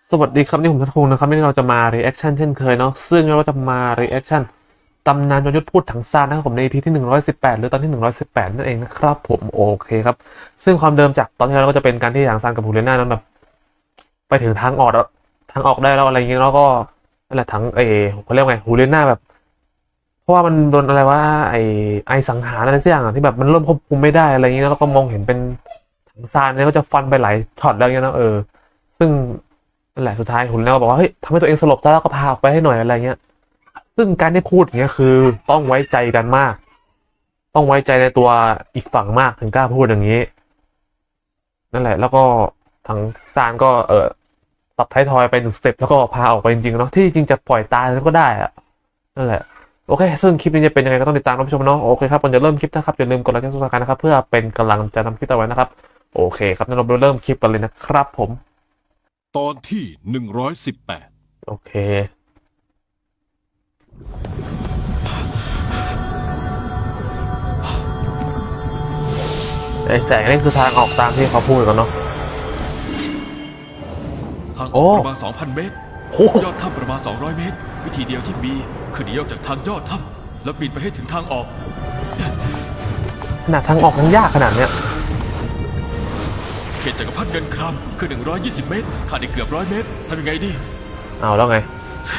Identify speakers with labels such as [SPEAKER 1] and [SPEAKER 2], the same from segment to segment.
[SPEAKER 1] สวัสดีครับนี่ผมทัศพงศ์นะครับวันนี้เราจะมา reaction เช่นเคยเนาะซึ่งเราจะมา reaction ตำนานยอดยุทธพูดถังซานนะครับผมใน EP ที่118หรือตอนที่118นั่นเองนะครับผมโอเคครับซึ่งความเดิมจากตอนที่แล้วก็จะเป็นการที่ถังซานกับฮูเลน่านั้นแบบไปถึงทางออกแล้วทางออกได้แล้วอะไรอย่างเงี้ยแล้วก็นั่นแหละถังเขาเรียกไงฮูเลน่าแบบเพราะว่ามันโดนอะไรว่าไอสังหารอะไรสักอย่างที่แบบมันเริ่มควบคุมไม่ได้อะไรอย่างเงี้ยแล้วก็มองเห็นเป็นถังซานเนี่ยก็จะฟันไปหลายช็อตแล้วเงี้ยนะซึ่ง นั่นแหละสุดท้ายหุ่นแล้วบอกว่าเฮ้ยทำให้ตัวเองสลบซะแล้วก็พาออกไปให้หน่อยอะไรเงี้ยซึ่งการที่พูดอย่างเงี้ยคือต้องไว้ใจกันมากต้องไว้ใจในตัวอีกฝั่งมากถึงกล้าพูดอย่างนี้นั่นแหละแล้วก็ทางซานก็ตับท้ายทอยไป1 สเต็ปแล้วก็พาออกไปจริงๆเนาะที่จริงจะปล่อยตายก็ได้อะนั่นแหละโอเคซึ่งคลิปนี้จะเป็นยังไงก็ต้องติดตามรับชมเนาะโอเคครับก่อนจะเริ่มคลิปนะครับอย่าลืมกดไลค์กดซับสไครต์นะครับเพื่อเป็นกำลังใจทำคลิปต่อไปนะครับโอเคครับงั้นเราเริ่มคลิปกันเลยนะครับผม
[SPEAKER 2] ตอนที่118
[SPEAKER 1] โอเค ไอ้แสงนี่คือทางออกตามที่เขาพูดกันเนาะ
[SPEAKER 3] ทางอ
[SPEAKER 1] โอ้
[SPEAKER 3] อกประมาณ 2,000 เมตร
[SPEAKER 1] โอ้
[SPEAKER 3] ยอดถ้ำประมาณ 200 เมตร วิธีเดียวที่มีคือหนีออกจากทางยอดถ้ำแล้วบินไปให้ถึงทางออก
[SPEAKER 1] ขนาดทางออกมันยากขนาดเนี้ย
[SPEAKER 3] เขตจักรพรรดิเงินครามคือ120 เมตร ขาดอีกเกือบ100 เมตรทำยังไงดี
[SPEAKER 1] เอาแล้วไง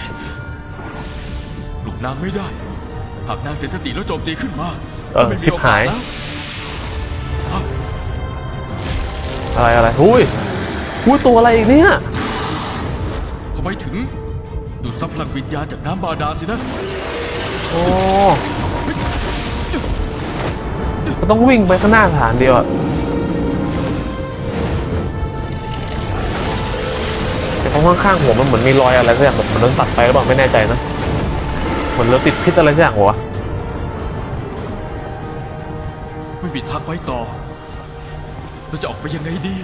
[SPEAKER 3] ปลุกนางไม่ได้ หากนางเสียสติแล้วโจมตีขึ้นมา
[SPEAKER 1] ชิ
[SPEAKER 3] ไม่มี
[SPEAKER 1] บ
[SPEAKER 3] โอกา
[SPEAKER 1] หา
[SPEAKER 3] ส
[SPEAKER 1] ย
[SPEAKER 3] แล้ว
[SPEAKER 1] อะไรหุ้ยตัวอะไรอีกเนี่ย
[SPEAKER 3] ทำไมถึง ดูดซับพลังวิญญาณจากน้ำบาดาลสินะ
[SPEAKER 1] โอ้ก็ต้องวิ่งไปข้างหน้าฐานเดียวอะแต่ข้างๆหัวมันเหมือนมีรอยอะไรสักอย่างแบบมันโดนตัดไปหรือเปล่าไม่แน่ใจนะเหมือนเราติดพิษอะไรสักอย่างวะ
[SPEAKER 3] ไม่มีทางไปต่อเราจะออกไปยังไงดี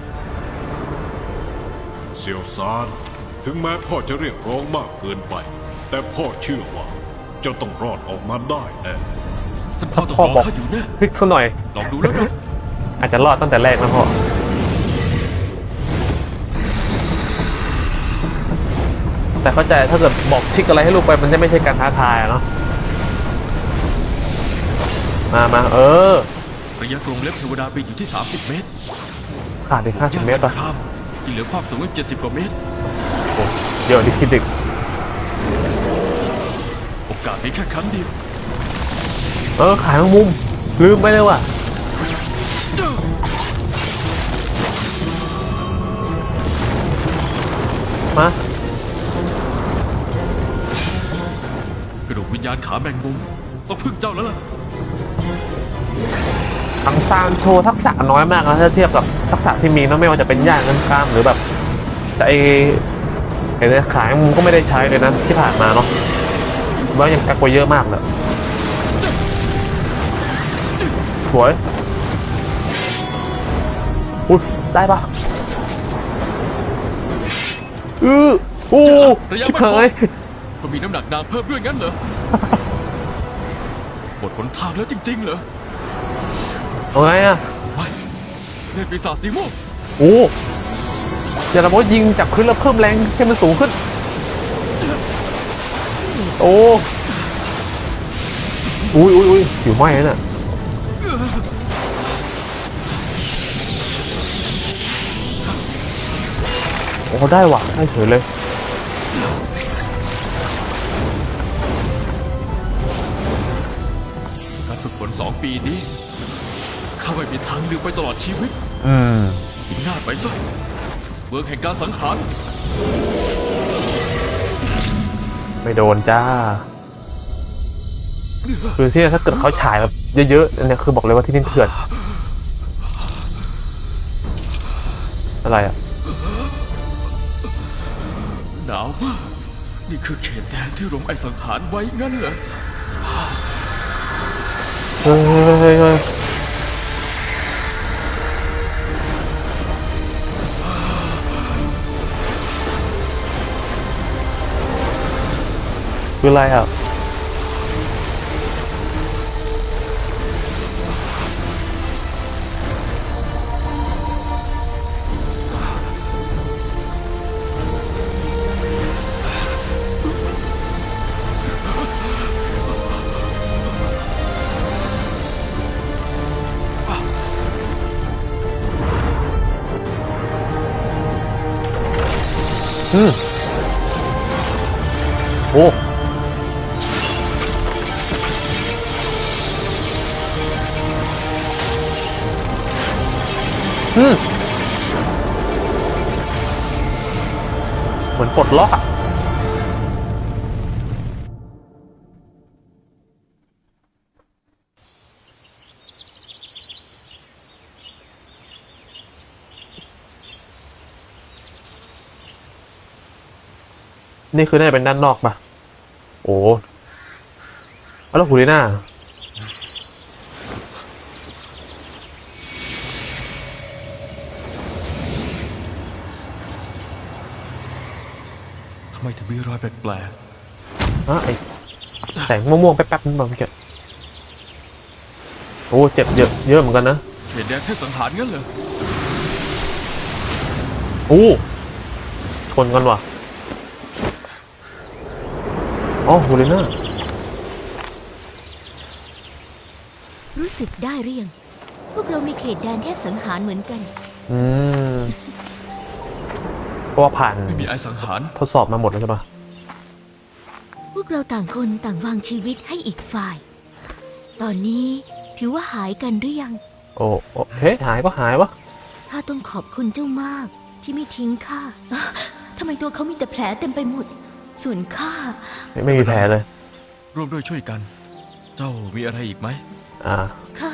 [SPEAKER 2] เซียวซานถึงแม้พ่อจะเรียกร้องมากเกินไป แต่พ่อเชื่อว่าเจ้าต้องรอดออกมาได้แน่
[SPEAKER 3] ท่านพ่อต้อง
[SPEAKER 1] พ่อ
[SPEAKER 3] รอ
[SPEAKER 1] บอก
[SPEAKER 3] ข้าอยู่แน่
[SPEAKER 1] พลิกซะหน่อย
[SPEAKER 3] ลองดูแล้วกัน
[SPEAKER 1] อาจจะรอดตั้งแต่แรกนะพ่อแต่เข้าใจถ้าเกิดบอกทริกอะไรให้ลูกไปมันจะไม่ใช่การท้าทายอะเนาะมา
[SPEAKER 3] ระยะกรงเล็บเทวดาบินอยู่ที่ 30 เมตร
[SPEAKER 1] ขาดอีก50 เมตร
[SPEAKER 3] ป่ะ
[SPEAKER 1] ป่ะ
[SPEAKER 3] ครับที่เหลือความสูงอีก70 กว่าเมตร
[SPEAKER 1] โอ้เดี๋ยวดิคิดดึก
[SPEAKER 3] โอกาสมีแค่ครั้งเดียว
[SPEAKER 1] ขายแมงมุมลืมไปเลยว่ะมาก
[SPEAKER 3] ระดูกวิญญาณขาแมงมุมต้องพึ่งเจ้าแล้วล่ะ
[SPEAKER 1] ทังซานโชว์ทักษะน้อยมากนะถ้าเทียบกับทักษะที่มีนะไม่ว่าจะเป็นย่างเงินกล้ามหรือแบบแต่ไอ้เนี่ยขายแมงมุมก็ไม่ได้ใช้เลยนะที่ผ่านมาเนาะแล้วยังกักไว้เยอะมากเลยสวยอุ๊ยได้ปะโอ้ชิบหาย
[SPEAKER 3] มันมีน้ำหนักนางเพิ่มด้วยงั้นเหรอ หมดหนทางแล้วจริงๆเหรอ
[SPEAKER 1] เอาไงอะ
[SPEAKER 3] ไม่เล่นปีศาจสีม่วง
[SPEAKER 1] โอ้อย่าละมดยิงจากพื้นแล้วเพิ่มแรงให้มันสูงขึ้นโอ้อุ้ยผิวไหม้แล้วน่ะโอ้ได้ว่ะได้เฉยเลย
[SPEAKER 3] การฝึกฝน2 ปีนี้ข้าไม่มีทางลืมไปตลอดชีวิตหน้าไปซะเมืองแห่งการสังหาร
[SPEAKER 1] ไม่โดนจ้าคือที่ถ้าเกิดเขาฉายแบบเยอะๆเนี่ยคือบอกเลยว่าที่นี่เถื่อนอะไรอ่ะ
[SPEAKER 3] หนาวมากนี่คือเขตแดนที่รวมไอสังหารไว้งั้นเหรอ
[SPEAKER 1] เฮ้ยคืออะไรอ่ะโอ้เหมือนปลดล็อกอะนี่คือน่าจะเป็นด้านนอกปะโอ้แล้วหูลีน่า
[SPEAKER 3] ทำไมถึงมีรอยแปลก
[SPEAKER 1] ไอแสงม่วงๆแป๊บๆนั่นบางทีโอ้เจ็บเยอะเหมือนกันนะ
[SPEAKER 3] ๆเขตแดนเทพสังหารงั้นเหรอ
[SPEAKER 1] โอ้ชนกันว่ะอ๋อฮูเลน่า
[SPEAKER 4] รู้สึกได้หรือยังพวกเรามีเขตแดนเทพสังหารเหมือนกัน
[SPEAKER 1] อืมเพราะว่าผ่าน
[SPEAKER 3] ไม่มีไอสังหาร
[SPEAKER 1] ทดสอบมาหมดแล้วใช่ปะ
[SPEAKER 4] พวกเราต่างคนต่างวางชีวิตให้อีกฝ่าย ตอนนี้ถือว่าหายกันหรือยัง
[SPEAKER 1] โอ้เฮ้หายก็หายวะ
[SPEAKER 4] ข้าต้องขอบคุณเจ้ามากที่ไม่ทิ้งข้าอ๊ะทำไมตัวเขามีแต่แผลเต็มไปหมด ส่วนข้า
[SPEAKER 1] ไม่มีแผลเลย
[SPEAKER 3] ร่วมด้วยช่วยกัน เจ้ามีอะไรอีกไหม
[SPEAKER 4] ข้า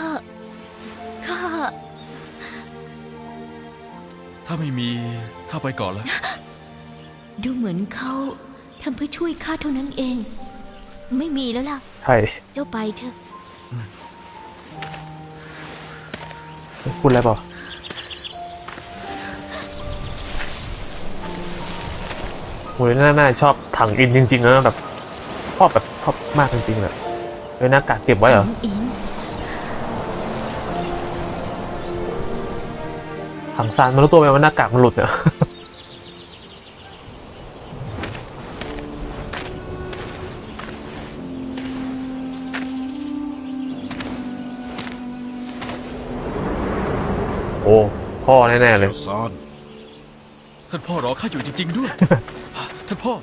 [SPEAKER 3] ถ้าไม่มีข้าไปก่อนแล้ว
[SPEAKER 4] ดูเหมือนเขาทำเพื่อช่วยข้าเท่านั้นเอง ไม่มีแล้วล่ะ
[SPEAKER 1] ใช่
[SPEAKER 4] เจ้าไปเถอะ
[SPEAKER 1] พูดอะไรเปล่าฮูเลน่าชอบถังอินจริงๆนะแบบชอบมากจริงๆเลยหน้ากากเก็บไว้เหรอ
[SPEAKER 4] อิง
[SPEAKER 1] ถังซานมันรู้ตัวไหมว่าหน้ากากมันหลุดเนี่ย โอ้พ่อแน่ๆเลย
[SPEAKER 2] เสี่ยวซาน
[SPEAKER 3] ท่านพ่อรอข้าอยู่จริง ๆ ด้วย ท่านพ่อ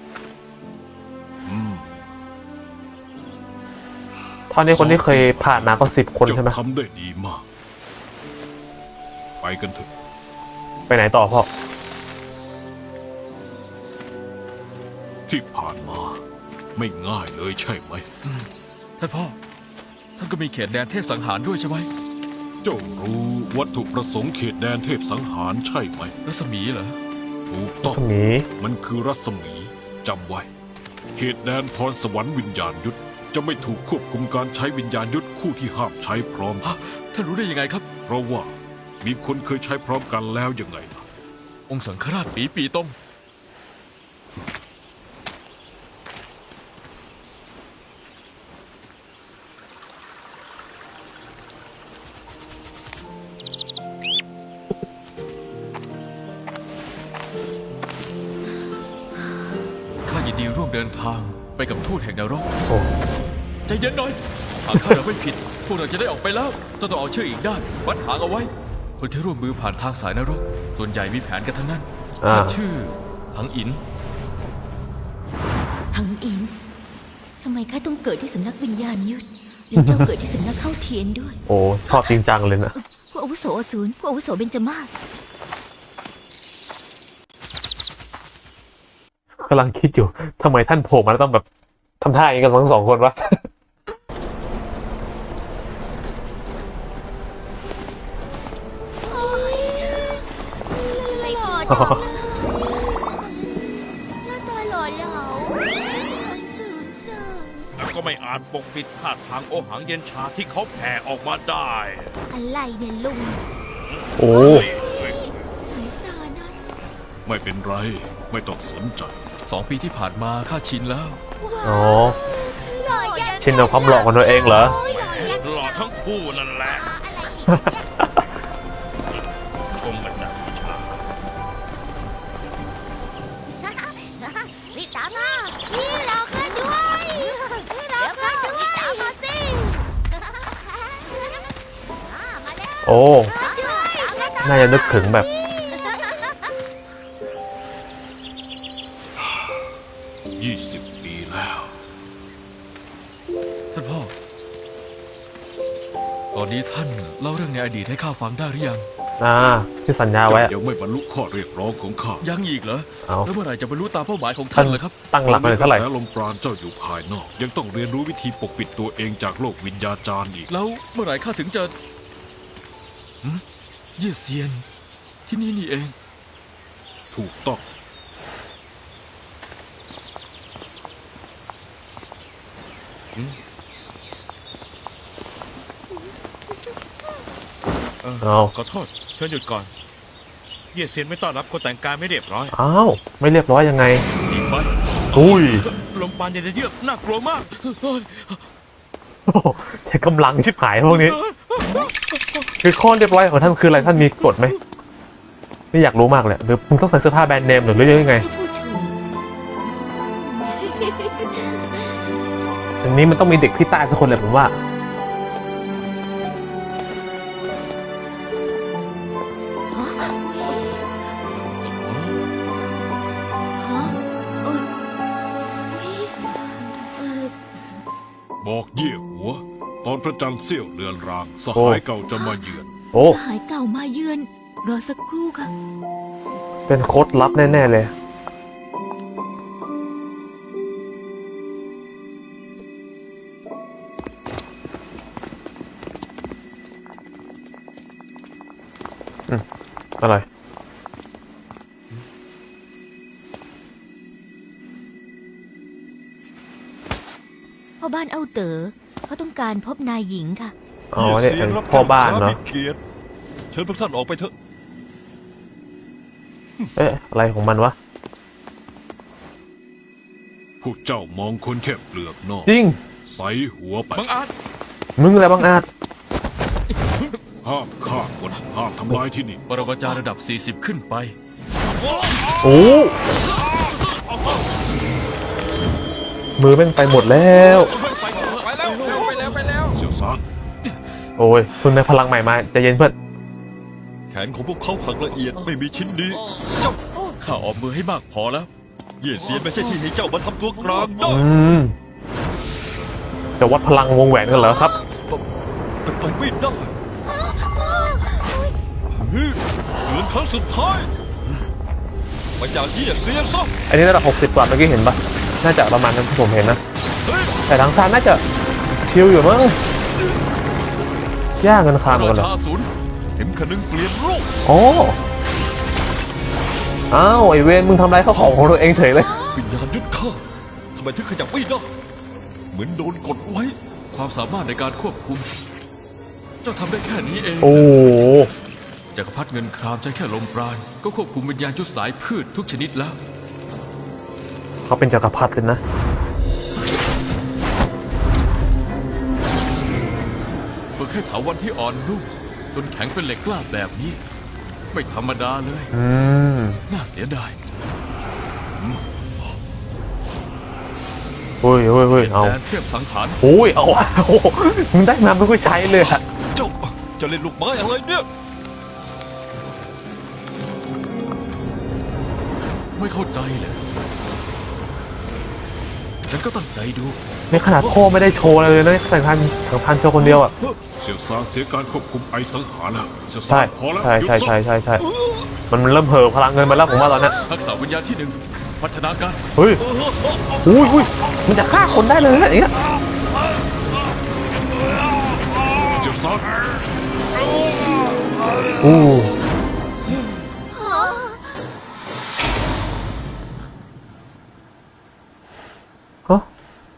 [SPEAKER 1] เท่านี้คนที่เคยผ่านมาก็10 คน
[SPEAKER 2] เจ้า
[SPEAKER 1] ใช่ไหม
[SPEAKER 2] ทำได้ดีมาก ไปกันเถอะ
[SPEAKER 1] ไปไหนต่อพ่อ
[SPEAKER 2] ที่ผ่านมา ไม่ง่ายเลยใช่ไหม
[SPEAKER 3] ท่านพ่อ ท่านก็มีเขตแดนเทพสังหารด้วยใช่ไหม
[SPEAKER 2] เจ้ารู้วัตถุประสงค์เขตแดนเทพสังหารใช่ไหม
[SPEAKER 3] รัศมีเหรอ
[SPEAKER 2] ถูกต้อง
[SPEAKER 1] สมี
[SPEAKER 2] มันคือรัศมีจำไว้ เขตแดนพรสวรรค์วิญญาณยุทธจะไม่ถูกควบคุมการใช้วิญญาณยุทธคู่ที่ห้ามใช้พร้อม
[SPEAKER 3] ท่านรู้ได้ยังไงครับ
[SPEAKER 2] เพราะว่ามีคนเคยใช้พร้อมกันแล้วยังไงล่ะ
[SPEAKER 3] องค์สังฆราชปีตง ข้ายินดีร่วมเดินทางไปกับทูตแห่งนรก
[SPEAKER 1] โอ้
[SPEAKER 3] ใจเย็นหน่อย หากข้าเราไม่ผิด พวกเราจะได้ออกไปแล้วเจ้าต้องเอาเชือกอีกด้านวัดหางเอาไว้ คนที่ร่วมมือผ่านทางสายนรก ส่วนใหญ่มีแผนกันทั้งนั้นข้าชื่อหังอิน
[SPEAKER 4] ทั้งอิงทำไมข้าต้องเกิดที่สำนักวิญญาณยุทธหรือเจ้าเกิดที่สำนักเข้าเทียนด้วย
[SPEAKER 1] โอ้ชอบจริงจังเลยนะ
[SPEAKER 4] ผู้อาวุโสอสูรผู้อาวุโสเบญจมาศ
[SPEAKER 1] กำลังคิดอยู่ทำไมท่านโผล่มาแล้วต้องแบบทำท่าอย่างนี้กันทั้งสองคนวะ
[SPEAKER 4] ไม่พอจังเลยหน้าตาหล่อเหลาสูงส่ง
[SPEAKER 5] แล้วก็ไม่อาจปกปิดท่าทางโอหังเย็นชาที่เขาแผ่ออกมาได้
[SPEAKER 4] อะไรเนี่ยลุง
[SPEAKER 1] โอ้
[SPEAKER 4] สายตานั้น
[SPEAKER 2] ไม่เป็นไร ไม่ต้องสนใจ
[SPEAKER 3] 2 ปีที่ผ่านมาข้าชินแล้ว
[SPEAKER 1] อ๋อ
[SPEAKER 4] หล่อยัน
[SPEAKER 1] ชินกับความหล่อของตัวเองเหรอ
[SPEAKER 4] โยหล่อยัน
[SPEAKER 5] หล่อทั้งคู่นั่นแหละ
[SPEAKER 4] อะไรอีกเนี่ย
[SPEAKER 5] ชมกันจากวิชา
[SPEAKER 4] รีบตามมาพี่รอข้าด้วยพี่รอข้าด้วยตามมาสิมาแล้ว
[SPEAKER 1] โอ้ น่าจะนึกถึงแบบ
[SPEAKER 3] ท่านเล่าเรื่องในอดีตให้ข้าฟังได้หรือยัง
[SPEAKER 1] ที่สัญญาไว้
[SPEAKER 2] เจ้า
[SPEAKER 1] อะ
[SPEAKER 2] ยังไม่บรรลุข้อเรียกร้องของข้า
[SPEAKER 3] ยังอีกเหรอ
[SPEAKER 1] เอา
[SPEAKER 3] แล้วเมื่อไหร่จะบรรลุตามเป้าหมายของ
[SPEAKER 1] ท่า
[SPEAKER 3] ท่าน นล่ะครับ
[SPEAKER 1] ตั้งหลักมาเลยเท่าไหร่
[SPEAKER 2] กระแสลมปราณเจ้าอยู่ภายนอก ยังต้องเรียนรู้วิธีปกปิดตัวเองจากโลกวิญญาจารย์อีก
[SPEAKER 3] แล้วเมื่อไหร่ข้าถึงจะเยี่ยเซียน ที่นี่นี่เอง
[SPEAKER 2] ถูกต้อง
[SPEAKER 1] เอา
[SPEAKER 5] ขอโทษเชิญหยุดก่อน เย่เซียนไม่ต้อนรับคนแต่งกายไม่เรียบร้อย
[SPEAKER 1] อ้าวไม่เรียบร้อยยังไง
[SPEAKER 5] อีกไป
[SPEAKER 1] อุ้ย
[SPEAKER 5] ลมปานเย็นเยือกน่ากลัวมาก
[SPEAKER 1] โอ้โหใช้กำลังชิบหายพวกนี้ คือข้อเรียบร้อยของท่านคืออะไรท่านมีกฎไหมไม่อยากรู้มากเลยหรือมึงต้องใส่เสื้อผ้าแบรนด์เนมหรือยังไง
[SPEAKER 4] ที่พูดถูก
[SPEAKER 1] อันนี้มันต้องมีเด็กที่ใต้สักคนเลยผมว่า
[SPEAKER 4] ฮะเอ้ยเอ่อ
[SPEAKER 2] บอกเย่หัว ตอนพระจันทร์เสี้ยวเลือนราง สหายเก่าจะมาเยือน
[SPEAKER 1] โอ้
[SPEAKER 4] สหายเก่ามาเยือน รอสักครู่ค่ะ
[SPEAKER 1] เป็นโค้ดลับแน่ๆเลย อะไร
[SPEAKER 4] พ่อบ้านเอ้าเต๋อเขาต้องการพบนายหญิงค่ะ
[SPEAKER 1] อ๋อเนี่ยอันพ่อบ้านเนาะ
[SPEAKER 5] เกียรติเชิญพวกท่านออกไปเถอะ
[SPEAKER 1] เอ๊ะอะไรของมันวะ
[SPEAKER 2] พวกเจ้ามองคนแค่เปลือกนอก
[SPEAKER 1] จริง
[SPEAKER 2] ใส่หัวไป
[SPEAKER 5] บังอาจ
[SPEAKER 1] มึงอะไรบางอาจ
[SPEAKER 2] ห้ามฆ่าคนห้ามทำลายที่นี่
[SPEAKER 3] ปรมาจารย์ระดับ 40 ขึ้นไป
[SPEAKER 1] โอ้มือแม่งไปหมดแล้ว
[SPEAKER 2] เสี่ยวซาน
[SPEAKER 1] โอ้ยคุณในพลังใหม่มาใจเย็นเพื่อน
[SPEAKER 6] แขนของพวกเขาหักละเอียดไม่มีชิ้นดี
[SPEAKER 3] ข้าออกมือให้มากพอแล้ว
[SPEAKER 6] เย่เซียนไม่ใช่ที่ให้เจ้ามาทำตัวกลางได้
[SPEAKER 1] จะวัดพลังวงแหวนกันเหรอครับ
[SPEAKER 6] เป็นไปไม่ได้เตือนครั้งสุดท้ายมาจากเย่เซียนซะ
[SPEAKER 1] อันนี้ระดับ60 กว่าเมื่อกี้เห็นปะน่าจะประมาณนั้นที่ผมเห็นนะ แต่ทางซานน่าจะชิลอยู่มั้งยากเงินคาน
[SPEAKER 3] รา
[SPEAKER 1] กันเหรอ
[SPEAKER 3] ชาศูนย์
[SPEAKER 6] เห็นขนึงเปลี่ยนรูป
[SPEAKER 1] โอ้อ้าวไอเวนมึงทำไรเข้าของตัวเองเฉยเลย
[SPEAKER 6] วิญญาณยึดข้าทำไมถึงขยับไม่ได้เหมือนโดนกดไว้
[SPEAKER 3] ความสามารถในการควบคุม เจ้าทำได้แค่นี้เอง
[SPEAKER 1] โอ้โห
[SPEAKER 3] จักรพรรดิเงินครามใช้แค่ลมปราณ ก็ควบคุมวิญญาณยุทธสายพืชทุกชนิดแล้ว
[SPEAKER 1] เขาเป็นจักรพรรดิเลยนะ
[SPEAKER 3] ฝึกให้เถาวันที่อ่อนนุ่มจนแข็งเป็นเหล็กกล้าแบบนี้ ไม่ธรรมดาเลย น่าเสียดาย
[SPEAKER 1] เฮ้ยเฮ้ยเฮ้ยเอา
[SPEAKER 3] แดนเทียบสังหาร
[SPEAKER 1] โอ้ยเอาโอ้โหมึงได้มาไม่ค่อยใช้เลยอะ
[SPEAKER 6] เจ้าจะเล่นลูกไม้อะไรเนี่ย
[SPEAKER 3] ไม่เข้าใจเลยฉันก็ตั้งใจดู
[SPEAKER 1] ในขนาดพ่อไม่ได้โชว์อะไรเลยนะแต่ทันโชว์คนเดียวอ่ะ
[SPEAKER 2] เสี่ยวซานเสียการควบคุมไอสังหารแล้วเสี่ยวซา
[SPEAKER 1] ใช่
[SPEAKER 2] นพอแล้ว
[SPEAKER 1] ใช่
[SPEAKER 2] หยุด
[SPEAKER 1] ใช่
[SPEAKER 2] ซะ
[SPEAKER 1] ใช่ใช่ใช่มันเริ่มเห่อพลังเงินมาแล้วผมว่าตอนเนี้ย
[SPEAKER 3] ทักษะวิญญาณที่ 1 พัฒนาการ
[SPEAKER 1] เฮ้ยอุ้ยอุ้ยมันจะฆ่าคนได้เลยนะอย่างเงี้ย
[SPEAKER 2] เสี่ยวซาน
[SPEAKER 1] อู้ฮะ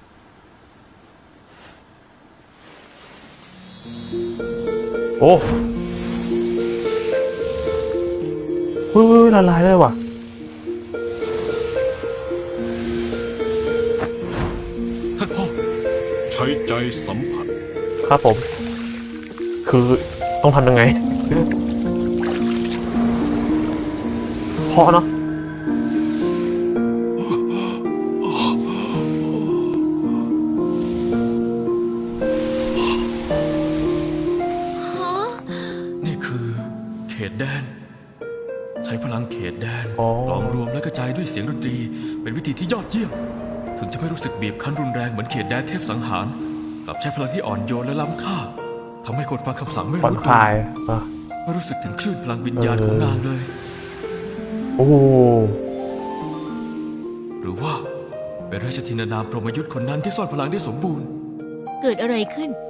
[SPEAKER 1] โอ้อุ้ยละลายเลยว่ะ
[SPEAKER 3] ท่านพ่อ
[SPEAKER 2] ใช้ใจสัมผัส
[SPEAKER 1] ครับผม คือต้องทำยังไงพอเนาะ
[SPEAKER 3] นี่คือเขตแดน ใช้พลังเขตแดน
[SPEAKER 1] อ๋อ
[SPEAKER 3] หลอมรวมและกระจายด้วยเสียงดนตรี เป็นวิธีที่ยอดเยี่ยม ถึงจะไม่รู้สึกบีบคั้นรุนแรงเหมือนเขตแดนเทพสังหารกลับใช้พลังที่อ่อนโยนและล้ำค่าทำให้คนฟังคำสั่งไม่
[SPEAKER 1] ผ่อน
[SPEAKER 3] รู้
[SPEAKER 1] ค
[SPEAKER 3] ตัว
[SPEAKER 1] ลายอ่ะ
[SPEAKER 3] ไม่รู้สึกถึงคลื่นพลังวิญญาณของนางเลย
[SPEAKER 1] โอ้โห
[SPEAKER 3] หรือว่าเป็นราชธินานามพรหมยุทธ์คนนั้นที่ซ่อนพลังได้สมบูรณ์
[SPEAKER 4] เกิดอะไรขึ้น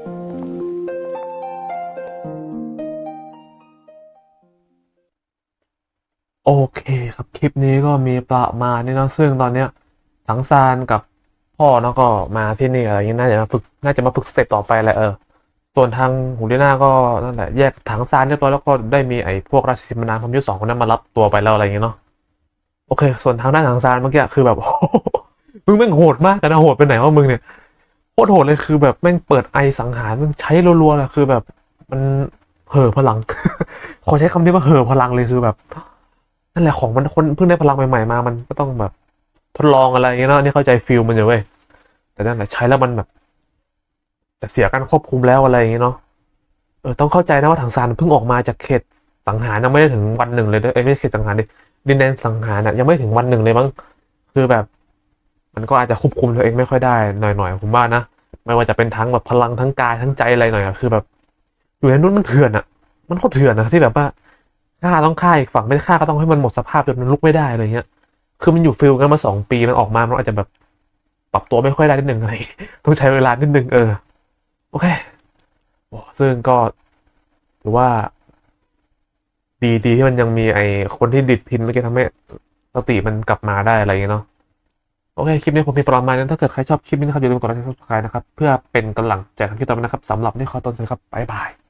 [SPEAKER 1] โอเคครับคลิปนี้ก็มีประมาณนี้เนาะซึ่งตอนเนี้ยถังซานกับพ่อเนาะก็มาที่นี่อะไรอย่างเงี้ยน่าจะมาฝึกสเต็ปต่อไปแหละส่วนทางหูดีน่าก็นั่นแหละแยกถังซานเรียบร้อยแล้วก็ได้มีไอ้พวกราชสิมนานพมยุทธ์2คนนั้นมารับตัวไปแล้วอะไรอย่างเงี้ยเนาะโอเค ส่วนทางด้านถังซานเมื่อกี้คือแบบ มึงแม่งโหดมากนะโหดไปไหนวะมึงเนี่ยโคตรโหดเลยคือแบบแม่งเปิดไอสังหารมึงใช้รัวๆเลยคือแบบมันเห่อพลัง ขอใช้คำนี้ว่าเห่อพลังเลยคือแบบ นั่นแหละของมันคนเพิ่งได้พลังใหม่ๆมามันก็ต้องแบบทดลองอะไรอย่างเงี้ยเนาะอันนี่เข้าใจฟีลมันอยู่เว้ยแต่นั่นแหละใช้แล้วมันแบบจะเสียการควบคุมแล้วอะไรอย่างเงี้ยเนาะต้องเข้าใจนะว่าถังซานเพิ่งออกมาจากเขตสังหารยังไม่ได้ถึงวันหนึ่งเลยไม่ใช่เขตสังหารดิดินแดนสังหารน่ะยังไม่ถึงวันหนึ่งเลยมั้งคือแบบ มันก็อาจจะควบคุมตัวเองไม่ค่อยได้หน่อยๆผมว่านะไม่ว่าจะเป็นทั้งแบบพลังทั้งกายทั้งใจอะไรหน่อยอะคือแบบอยู่ในนู้นมันเถื่อนอะมันโคตรเถื่อนอะที่แบบว่า ฆ่าต้องฆ่าอีกฝั่งไม่ฆ่าก็ต้องให้มันหมดสภาพจนมันลุกไม่ได้อะไรเงี้ย คือมันอยู่ฟิลกันมา2 ปีมันออกมามันอาจจะแบบปรับตัวไม่ค่อยได้นิดนึงอะไร ต้องใช้เวลานิดนึงโอเคโอ้ซึ่งก็ถือว่า ดีที่มันยังมีไอคนที่ดิดพินเมื่อกี้ทำให้สติมันกลับมาได้อะไรเงี้ยเนาะโอเคคลิปนี้ผมมีประมาณนั้นถ้าเกิดใครชอบคลิปนี้นะครับอย่าลืมกดไลค์กดซับสไครต์นะครับเพื่อเป็นกำลังใจทำคลิปต่อไปนะครับสำหรับนี่ขอต้นสวัสดีครับบ๊ายบาย